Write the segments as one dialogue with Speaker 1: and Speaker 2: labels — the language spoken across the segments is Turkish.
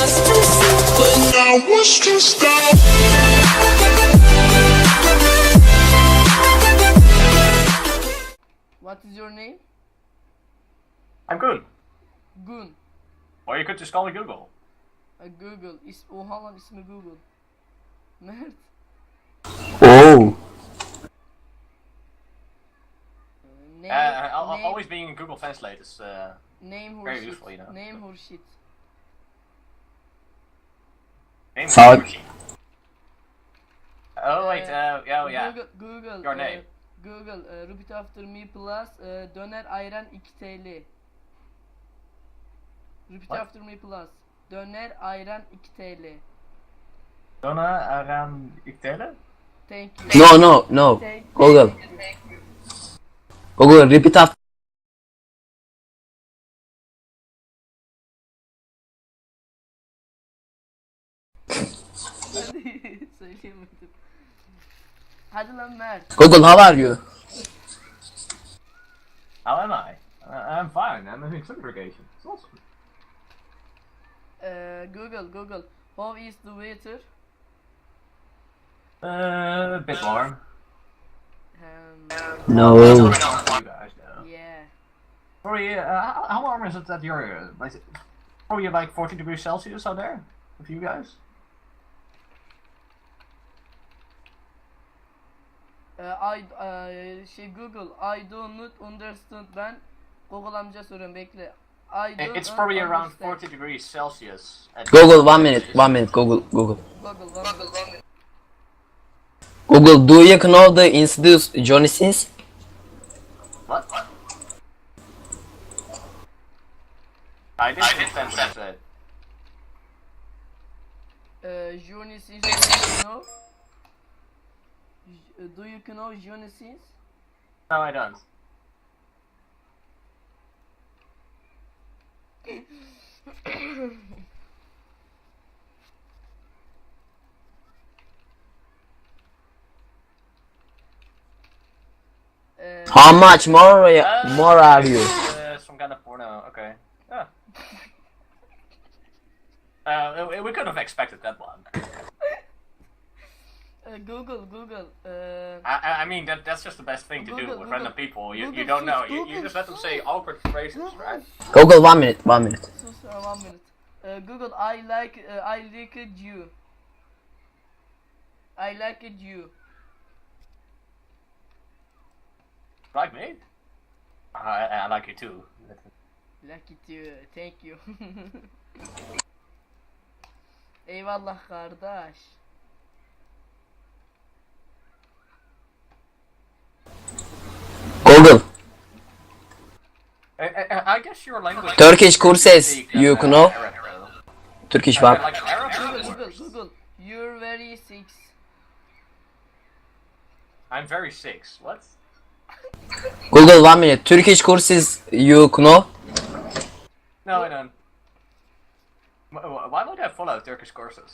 Speaker 1: But I was stressed out.
Speaker 2: What is your name?
Speaker 3: I'm good.
Speaker 2: Gun.
Speaker 3: Or you could just call me Google.
Speaker 2: Google. Oha lan ismi Google. Mert.
Speaker 4: Oh.
Speaker 2: Name,
Speaker 3: Always being in Google Translate is
Speaker 2: name
Speaker 3: very
Speaker 2: Hurshit.
Speaker 3: useful, you know.
Speaker 2: Name Hurshit.
Speaker 3: name.
Speaker 4: Salak.
Speaker 3: Oh wait, yeah.
Speaker 2: Google.
Speaker 3: Your name.
Speaker 2: Google. Repeat after me plus. Döner ayran 2 TL. Repeat
Speaker 3: What?
Speaker 2: after me plus. Döner ayran 2 TL.
Speaker 3: Donna around Iktele?
Speaker 2: Thank you.
Speaker 4: No.
Speaker 2: Thank
Speaker 4: Google.
Speaker 2: you.
Speaker 4: Google, repeat after.
Speaker 2: Hadi söyleyemedim. Hadi lan Mert.
Speaker 4: Google, how are you?
Speaker 3: How am I? I'm fine. I'm having some irrigation. It's awesome.
Speaker 2: Google. How is the weather?
Speaker 3: A bit warm.
Speaker 4: No.
Speaker 3: You guys know.
Speaker 2: Yeah.
Speaker 3: Probably, how warm is it at your, probably like 40 degrees Celsius out there? With you guys?
Speaker 2: Google, I do not understand. Ben Google amca soruyorum, bekle.
Speaker 3: It's probably around 40 degrees Celsius. At
Speaker 4: Google, 1 minute. Google.
Speaker 2: Google.
Speaker 4: Google, do you know the introduce Johnny Sins?
Speaker 3: What? I didn't understand what you said.
Speaker 2: Johnny Sins, do you know Johnny Sins?
Speaker 3: No, I don't.
Speaker 4: How much more are you?
Speaker 3: Some kind of porno, okay. Yeah. We could have expected that one.
Speaker 2: Google.
Speaker 3: I mean, that's just the best thing to do
Speaker 2: Google,
Speaker 3: with
Speaker 2: Google.
Speaker 3: random people. You
Speaker 2: Google,
Speaker 3: don't know.
Speaker 2: Google,
Speaker 3: You just let them say awkward phrases, right?
Speaker 4: Google, 1 minute.
Speaker 2: Sus 1 minute. Google, I like you. I like you.
Speaker 3: Like me? I like you too.
Speaker 2: Like it too. Thank you. Eyvallah kardeş.
Speaker 4: Google,
Speaker 3: I guess your language.
Speaker 4: Turkish courses, you know?
Speaker 3: Arab, though.
Speaker 4: Turkish
Speaker 3: Like
Speaker 4: var.
Speaker 3: Arab?
Speaker 2: Google. You're very sick.
Speaker 3: I'm very six. What?
Speaker 4: Google, 1 minute. Turkish courses, you know?
Speaker 3: No, I don't. Why would I follow Turkish courses?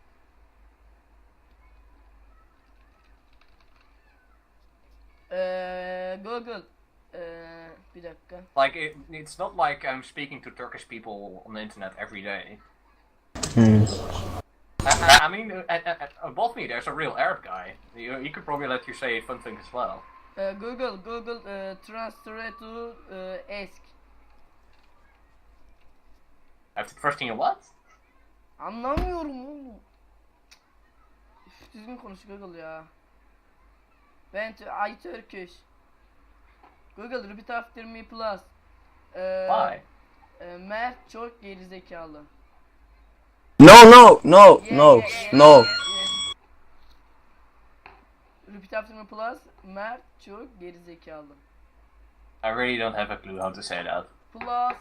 Speaker 2: Google. Bir dakika.
Speaker 3: Like, it's not like I'm speaking to Turkish people on the internet every day. I mean, above me there's a real Arab guy. He could probably let you say fun things as well.
Speaker 2: Google. Translate to ask.
Speaker 3: After trusting you what?
Speaker 2: Anlamıyorum oğlum. Üf, düzgün konuş Google ya. I Turkish. Google, repeat after me plus.
Speaker 3: Why?
Speaker 2: Mert çok gerizekalı.
Speaker 4: No.
Speaker 2: Repeat after me plus. Mert çok gerizekalı.
Speaker 3: I really don't have a clue how to say that.
Speaker 2: Plus.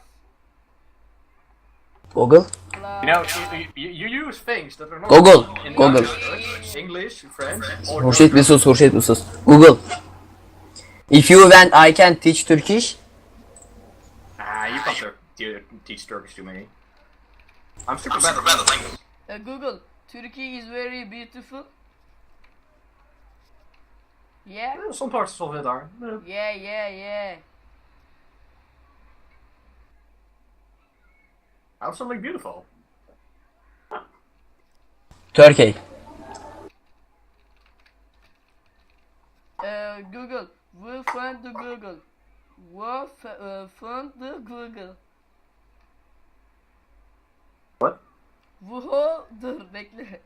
Speaker 4: Google,
Speaker 3: You know, you use things that are not
Speaker 4: Google.
Speaker 3: English, French, or
Speaker 4: Hurşit bir sus. Google, if you want, I can teach Turkish.
Speaker 3: You can't teach Turkish to me. I'm super bad at language.
Speaker 2: Google, Turkey is very beautiful. Yeah?
Speaker 3: Some parts of it are.
Speaker 2: Yeah.
Speaker 3: Absolutely beautiful.
Speaker 4: Turkey.
Speaker 2: Google. We find the Google. We found the Google.
Speaker 3: What?
Speaker 2: Vuho dur bekle.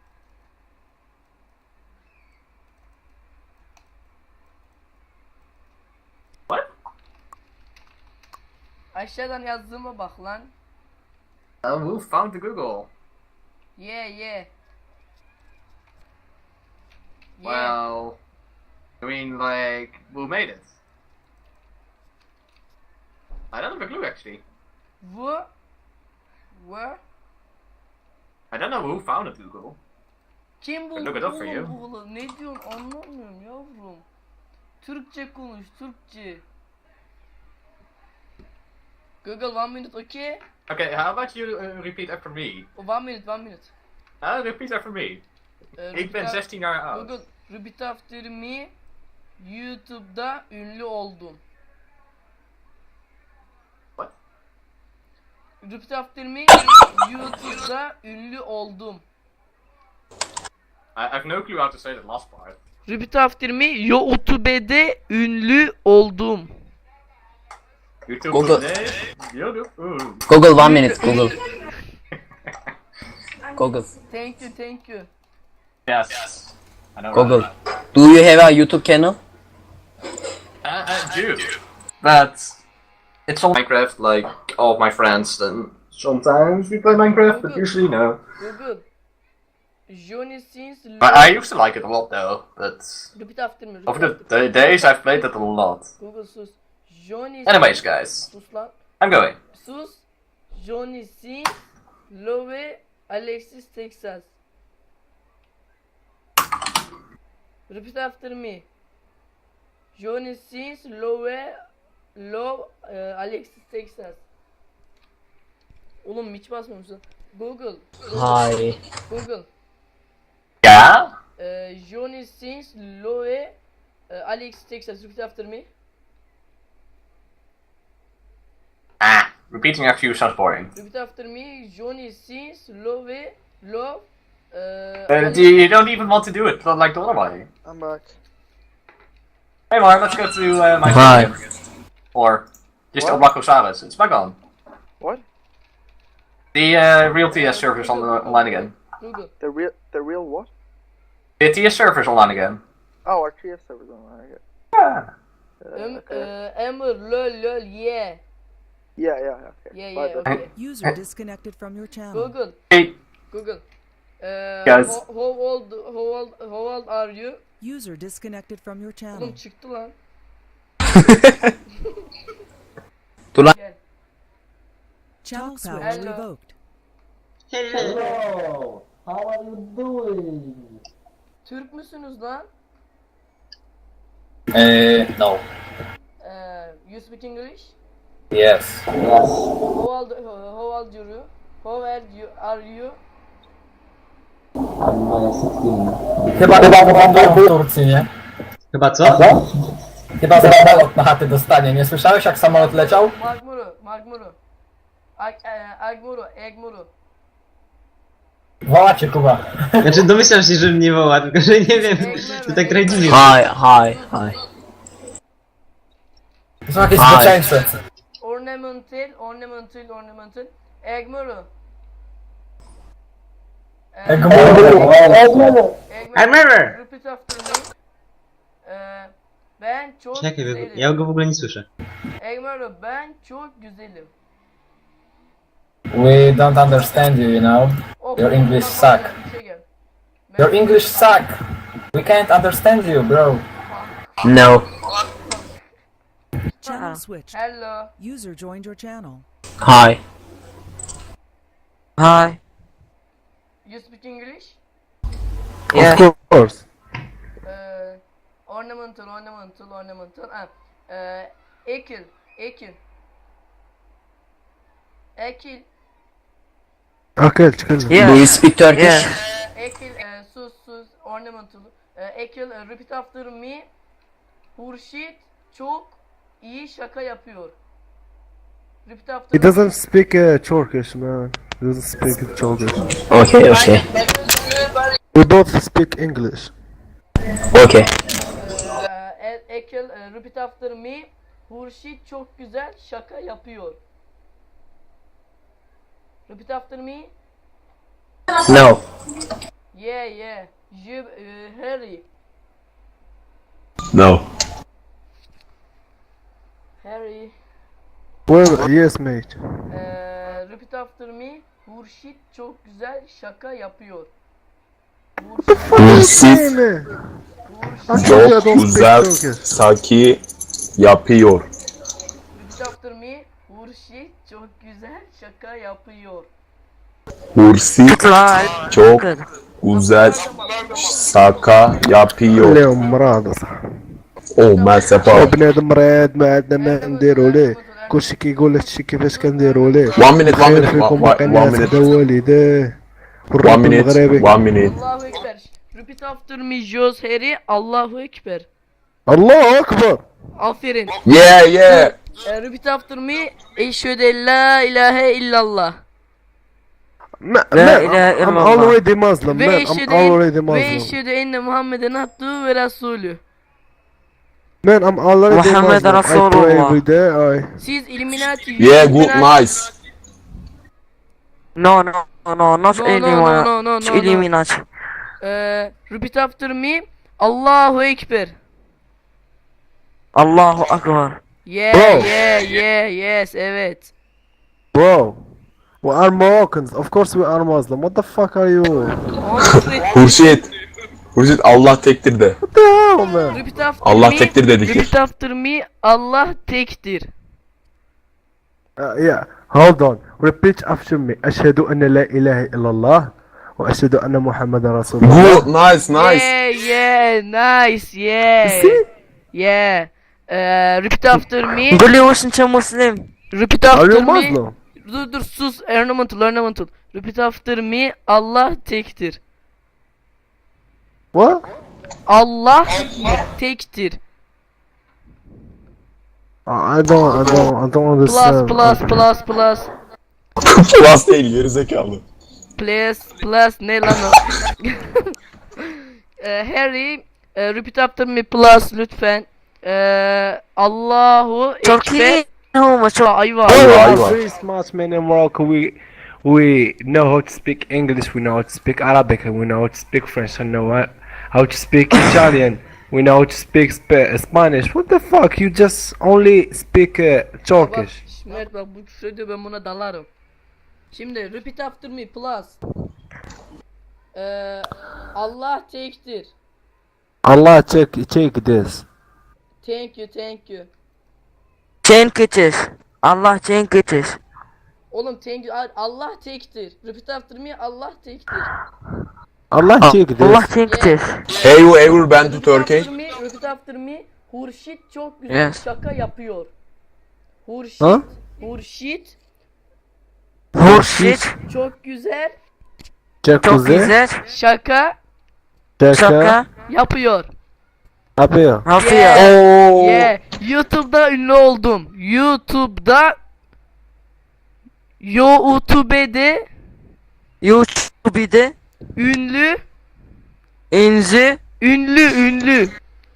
Speaker 3: What?
Speaker 2: Aşağıdan yazdığıma bak lan.
Speaker 3: Who found the Google?
Speaker 2: Yeah. Yeah.
Speaker 3: Well, I mean, like, who made it? I don't have a clue, actually.
Speaker 2: Where?
Speaker 3: I don't know who founded Google.
Speaker 2: Kim buldu
Speaker 3: Look it up for you.
Speaker 2: oğlum Google'ı? Ne diyorsun anlamıyorum yavrum. Türkçe konuş, Türkçe. Google 1 minute okay?
Speaker 3: Okay, how about you repeat after me?
Speaker 2: 1 minute.
Speaker 3: Repeat after me. Ik ben
Speaker 2: Repeat
Speaker 3: 16 jaar oud.
Speaker 2: Google, repeat after me. YouTube'da ünlü oldum.
Speaker 3: What?
Speaker 2: Repeat after me. YouTube'da ünlü oldum.
Speaker 3: I have no clue how to say that last part.
Speaker 2: Repeat after me. YouTube'de ünlü oldum.
Speaker 3: YouTube
Speaker 4: Google.
Speaker 3: today. YouTube.
Speaker 4: Google 1 minute. Google. Google.
Speaker 2: Thank you.
Speaker 3: Yes. I know.
Speaker 4: Google.
Speaker 3: Right?
Speaker 4: Do you have a YouTube channel?
Speaker 3: I do. But it's on Minecraft, like all of my friends, and sometimes we play Minecraft, but usually no.
Speaker 2: Google. Johnny Sins
Speaker 3: I used to like it a lot though, but
Speaker 2: Repeat after me.
Speaker 3: over the days I've played it a lot.
Speaker 2: Google sus. Johnny
Speaker 3: Anyways, guys,
Speaker 2: sus lan.
Speaker 3: I'm going.
Speaker 2: Sus. Johnny Sins Love Alexis Texas. Repeat after me. Johnny Sins Love Alexis Texas. Oğlum hiç basmamışsın. Google.
Speaker 4: Hi.
Speaker 2: Google.
Speaker 3: Yeah.
Speaker 2: Johnny Sins Love Alexis Texas. Repeat after me.
Speaker 3: Repeating after you sounds boring.
Speaker 2: Repeat after me. Johnny Sins Love
Speaker 3: You don't even want to do it like the other way.
Speaker 5: I'm back.
Speaker 3: Hey Mark, let's go to my
Speaker 4: Hi.
Speaker 3: stream. Or just
Speaker 5: What?
Speaker 3: unlock Osiris. It's back on.
Speaker 5: What?
Speaker 3: The real TS server's online again.
Speaker 2: Google.
Speaker 5: The real what?
Speaker 3: The TS server's online again.
Speaker 5: Oh, our TS server's on. I get.
Speaker 3: Yeah.
Speaker 5: Okay.
Speaker 2: Emmer lol yeah.
Speaker 5: Yeah. Okay.
Speaker 2: Yeah,
Speaker 5: Bye, bye.
Speaker 2: okay.
Speaker 6: User disconnected from your channel.
Speaker 2: Google.
Speaker 3: Hey,
Speaker 2: Google.
Speaker 3: Guys.
Speaker 2: How old are you?
Speaker 6: User disconnected from your channel.
Speaker 2: Oğlum çıktı lan.
Speaker 4: Dur lan.
Speaker 2: Gel.
Speaker 6: Channel power
Speaker 2: Hello.
Speaker 6: revoked.
Speaker 7: Hello, how are you doing?
Speaker 2: Türk müsünüz lan?
Speaker 8: No.
Speaker 2: You speak English?
Speaker 8: Yes.
Speaker 2: How old are you? Are you?
Speaker 8: Chyba będą w Turcji, nie?
Speaker 9: Chyba co?
Speaker 8: Chyba samolot na chaty dostanie. Nie słyszałeś jak samolot leciał?
Speaker 2: Magmuru. Egmuru.
Speaker 8: Woła cię Kuba.
Speaker 9: Znaczy domyślam się, że mnie woła, tylko że nie wiem, to tak trochę dziwnie.
Speaker 4: Hi.
Speaker 8: To są jakieś
Speaker 4: Hi.
Speaker 8: zboczeńce.
Speaker 2: Ornamental. Egmuru.
Speaker 9: Remember!
Speaker 2: Repeat after me. Ben çok
Speaker 9: Czekaj,
Speaker 2: güzelim.
Speaker 9: ja go w ogóle nie słyszę.
Speaker 2: Egmuru, ben çok güzelim.
Speaker 8: We don't understand you, you know.
Speaker 2: Of,
Speaker 8: Your English
Speaker 2: bak,
Speaker 8: suck.
Speaker 2: bir şey gel.
Speaker 8: Your English suck. We can't understand you, bro.
Speaker 4: No.
Speaker 6: Channel switched.
Speaker 2: Hello.
Speaker 6: User joined your channel.
Speaker 4: Hi.
Speaker 2: You speak English?
Speaker 4: Of course.
Speaker 2: Ornamental. Ekil.
Speaker 4: Do you speak Turkish?
Speaker 2: Ekil, sus, ornamental. Ekil, repeat after me. Hurşit çok iyi şaka yapıyor. Repeat after
Speaker 7: He doesn't speak Turkish, man. He doesn't speak Turkish.
Speaker 4: Okay.
Speaker 10: We both speak English.
Speaker 4: Okay.
Speaker 2: Ekel, repeat after me. Hurşit çok güzel şaka yapıyor. Repeat after me.
Speaker 4: No.
Speaker 2: Yeah. Harry.
Speaker 3: No.
Speaker 2: Harry.
Speaker 10: Well, yes mate.
Speaker 2: Repeat after me. Hurşit çok güzel şaka yapıyor.
Speaker 11: Hurşit
Speaker 10: Hey man.
Speaker 11: çok güzel saki yapıyor.
Speaker 2: Repeat after me. Hurşit çok güzel şaka yapıyor.
Speaker 11: Hurşit çok güzel saka yapıyor.
Speaker 10: اليوم مرض
Speaker 11: Oh merhaba.
Speaker 10: بنادم مريض ما عندنا ما نديرو ليه كلشي كيقول هادشي كيفاش كنديرو ليه
Speaker 11: 1 minute, 1
Speaker 10: خير
Speaker 11: minute,
Speaker 10: فيكم
Speaker 11: 1
Speaker 10: باقي الناس
Speaker 11: minute,
Speaker 10: حدا والديه
Speaker 11: 1
Speaker 10: والرب
Speaker 11: minute,
Speaker 10: المغربي
Speaker 11: 1 minute.
Speaker 2: Allahu Ekber. Repeat after me. Jos Harry. Allahu Ekber.
Speaker 10: الله اكبر.
Speaker 2: Aferin.
Speaker 11: Yeah.
Speaker 2: Repeat after me. Eşhedü en la ilahe illallah.
Speaker 10: I'm already Muslim
Speaker 2: Ve
Speaker 10: man. I'm already
Speaker 2: ve
Speaker 10: Muslim.
Speaker 2: eşhedü enne Muhammeden abduhu ve rasulü.
Speaker 10: Man, I'm already
Speaker 4: Muhammed
Speaker 10: Muslim. I pray
Speaker 4: Rasulullah.
Speaker 10: every day.
Speaker 2: Siz Illuminati.
Speaker 11: Yeah, good, nice.
Speaker 4: No, not
Speaker 2: No.
Speaker 4: Illuminati.
Speaker 2: Repeat after me. Allahu Ekber.
Speaker 4: Allahu Akbar.
Speaker 10: Bro.
Speaker 2: Yes, evet.
Speaker 10: Bro, we are Moroccans. Of course we are Muslim. What the fuck are you?
Speaker 11: Hurşit Allah tektir de.
Speaker 10: What the hell man?
Speaker 2: Repeat after
Speaker 11: Allah
Speaker 2: me.
Speaker 11: tektir dedik.
Speaker 2: Repeat after me. Allah tektir.
Speaker 10: Yeah, hold on. Repeat after me. أشهد أن لا إله إلا الله وأشهد أن محمد رسول الله.
Speaker 11: Good, nice.
Speaker 2: Yeah, nice, yeah.
Speaker 10: See?
Speaker 2: Yeah. Repeat after me.
Speaker 4: Gulli wasn't a Muslim.
Speaker 2: Repeat
Speaker 10: Are
Speaker 2: after
Speaker 10: you
Speaker 2: me.
Speaker 10: Muslim?
Speaker 2: Dur sus. Ornamental. Repeat after me. Allah tektir.
Speaker 10: What?
Speaker 2: Allah tektir.
Speaker 10: I don't understand.
Speaker 2: Plus.
Speaker 11: Plus değil gerizekalı.
Speaker 2: Plus ne lan o? Harry, repeat after me plus lütfen. Allahu
Speaker 4: Turkey.
Speaker 2: Ekber.
Speaker 4: No, much.
Speaker 2: Ayva.
Speaker 11: Ayva.
Speaker 10: Very smart man in Morocco. We know how to speak English. We know how to speak Arabic. We know how to speak French. We know how to speak Italian. We know how to speak Spanish. What the fuck? You just only speak Turkish.
Speaker 2: Mert bak bu küfür ediyor, ben buna dalarım. Şimdi repeat after me plus. Allah tektir.
Speaker 10: Allah check this.
Speaker 2: Thank you.
Speaker 4: Chain kitches. Allah chain kitches.
Speaker 2: Oğlum thank you. Allah tektir. Repeat after me. Allah tektir.
Speaker 10: Allah check this.
Speaker 4: Allah chain kitches.
Speaker 11: Have you ever been to Turkey?
Speaker 2: Repeat after me. Hurşit çok güzel
Speaker 4: Yes.
Speaker 2: şaka yapıyor. Hurşit.
Speaker 10: Ha?
Speaker 2: Hurşit
Speaker 4: Hurşit.
Speaker 2: çok güzel
Speaker 4: Çok güzel.
Speaker 2: şaka
Speaker 4: Şaka.
Speaker 2: yapıyor.
Speaker 10: Yapıyor.
Speaker 4: Yapıyor.
Speaker 10: Oh.
Speaker 2: Yeah. YouTube'da ünlü oldum. YouTube'da YouTube'de
Speaker 4: YouTube'de
Speaker 2: ünlü
Speaker 4: ünlü.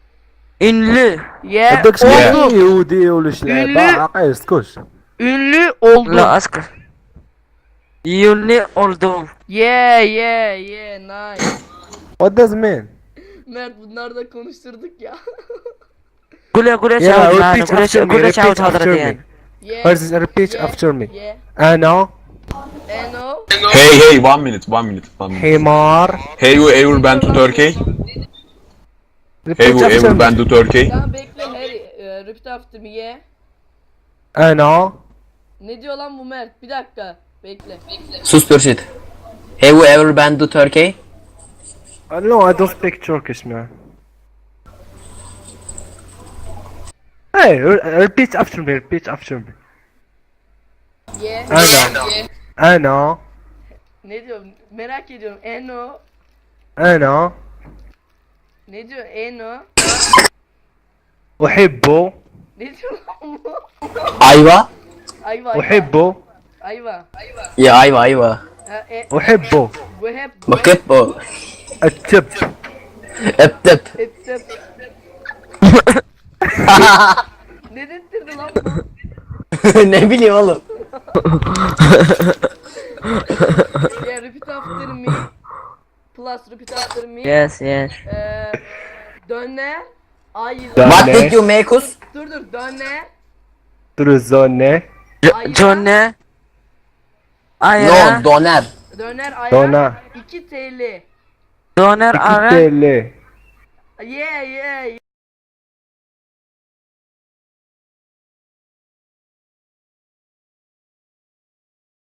Speaker 2: yeah
Speaker 10: بدكش
Speaker 2: oldum.
Speaker 10: يهودي ولا شلعب
Speaker 2: ünlü
Speaker 10: عقيل اسكت.
Speaker 2: ünlü oldum.
Speaker 4: La asker. Ünlü oldum.
Speaker 2: Yeah nice.
Speaker 10: What does it mean?
Speaker 2: Mert bunlar da konuşturduk ya.
Speaker 4: Gule
Speaker 10: Yeah,
Speaker 4: çağır yani.
Speaker 10: repeat after me.
Speaker 4: Gule
Speaker 10: Repeat
Speaker 4: çağır
Speaker 10: after
Speaker 4: çağır
Speaker 10: me.
Speaker 4: diyen.
Speaker 2: Yeah.
Speaker 10: What is repeat
Speaker 2: Yeah.
Speaker 10: after me?
Speaker 2: Yeah.
Speaker 10: أنا
Speaker 2: Eno.
Speaker 11: Hey, 1 minute.
Speaker 10: حمار.
Speaker 11: Have you ever been to Turkey? Have
Speaker 10: Repeat
Speaker 11: you
Speaker 10: after
Speaker 11: ever
Speaker 10: me.
Speaker 11: been to Turkey?
Speaker 2: Tamam bekle Harry. Repeat after me yeah.
Speaker 10: أنا
Speaker 2: Ne diyor lan bu Mert? Bir dakika. Bekle.
Speaker 4: Sus Pürşit. Have you ever been to Turkey?
Speaker 10: No, I don't speak Turkish man. Hey, repeat after me. Repeat after me.
Speaker 2: Yeah.
Speaker 10: أنا
Speaker 2: Ne diyor? Merak ediyorum. Eno.
Speaker 10: أنا
Speaker 2: Ne diyor? Eno.
Speaker 10: أحب
Speaker 2: Ne diyor lan bu?
Speaker 4: Ayva.
Speaker 2: Ayva.
Speaker 10: أحب
Speaker 2: Ayva.
Speaker 4: Ya ayva.
Speaker 2: Ha,
Speaker 10: أحب
Speaker 2: bu hep
Speaker 4: Bakıp o.
Speaker 10: Açıp.
Speaker 4: Öptüp.
Speaker 2: Ettim. Ne dedirdi lan bu?
Speaker 4: Ne bileyim oğlum.
Speaker 2: Yeah, repeat after me. Plus repeat after me.
Speaker 4: Yes, yes.
Speaker 2: Döne. Ayran.
Speaker 4: What
Speaker 10: Ne?
Speaker 4: did you make us?
Speaker 2: Dur döne.
Speaker 10: Truzone.
Speaker 2: Ayran.
Speaker 4: No, doner.
Speaker 2: Döner ayran.
Speaker 10: Dona.
Speaker 2: 2 TL.
Speaker 10: 2 TL.
Speaker 2: Yeah.